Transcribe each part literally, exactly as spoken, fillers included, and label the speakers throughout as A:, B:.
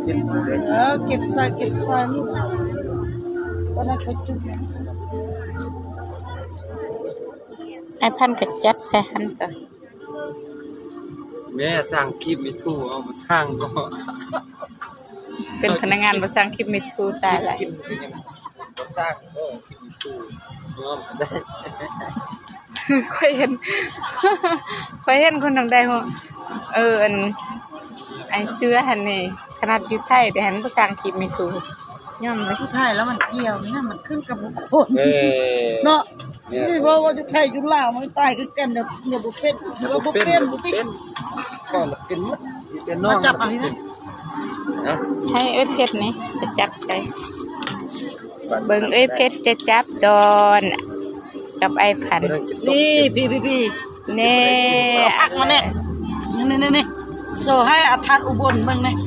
A: เก็บเลย
B: เออเก็บใส่เก็บใส่นี่ก็น่าจะจุด
C: ไอ้พันกับจัดใส่หันจ้ะ
A: แม่สร้างคลิปมีทู่เอามาสร้างก็
C: เป็นพนักงานมาสร้างคลิปมิทูตายละ
A: กินเป็นยังก็สร้างก็คลิปมีทู่เนาะได้
C: ค่อยเห็น ค่อยเห็นคนทางใดหัวเอออันไอเสื้อหันนี่ขนาดอยู่ไทยแต่หันมาสร้างคลิปมิทูย่อมเลย
B: ผู้ไทยแล้วมันเกี่ยวนี่มันขึ้นกับบุคคล
A: เออ
B: เนาะนี่เพราะว่าจะไทยจุฬามันตายคือกันเดี๋ยวเดี๋ยวบุเป็นเดี๋ยวบุเป็นบุเป็น
A: ก็เป็นมัดเป็นน้อง
B: มาจับอะไรนะ
A: นะ
C: ให้เอ้ยเพชรนี่จะจับใส่เบิ่งเอ้ยเพชรจะจับดอนกับไอ้พัน
B: นี่พี่พี่พี่
C: เน่
B: อักมาเนี่ยนี่นี่นี่โซ่ให้อาทานอุบลเมืองเนี่ย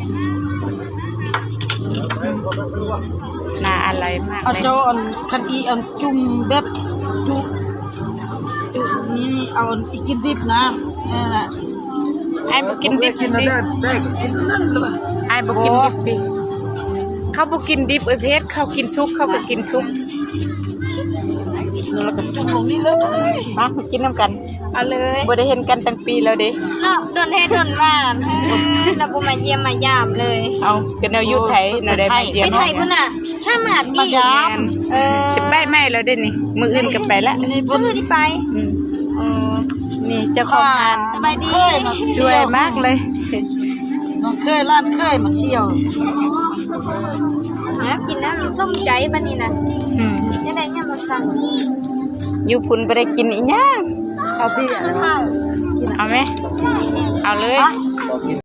C: น่าอะไรมาก
B: เอา
C: เลย
B: เจ้าอันคันอีอันจุ่มแบบจุจุนี่เอาอีกินดิบนะนี่แหละ
C: ไอ้บุกินดิบ
A: กิน
C: ดิ
A: นั่นได้กินนั่นเลย
C: ไอ้บุกินดิบดิเขาบุกินดิบเอ้ยเพชรเขากินซุปเขาก็กินซุป
B: แล้วก็จุ่มลงนี่เลย
C: มากินน้ำกันเอาเลยบ่ได้เห็นกันตั้งปีแล้วเด้
D: เนาะโดนเทโดนว่าเราบุมาเยี่ยมมายามเลย
C: เอากันเอาอยู่ไทยเราได้มาเยี่ย
D: ไป
C: ม
D: ไทยพุ่นน่ะห้าหมาดดีเออ
C: จะไปไหมเราได้นี่มืออื่นก็ไปละ
B: นี่
D: ก็คือที่ไป
C: อืมนี่เจ้าของงาน
D: สบายดี
C: สวยมากเลย
B: น้องเคยร้านเคยมาเที่ยว
D: นะกินนะส้มใจบ้านนี้นะ
C: อืม
D: จะได้ยังมาสั่ง
C: อยู่พุ่นบ่ได้กินอีหยัง
B: เอาพี่อะไรวะ
D: ข้าว
C: เอาไหมเอาเลย
A: ก็กิน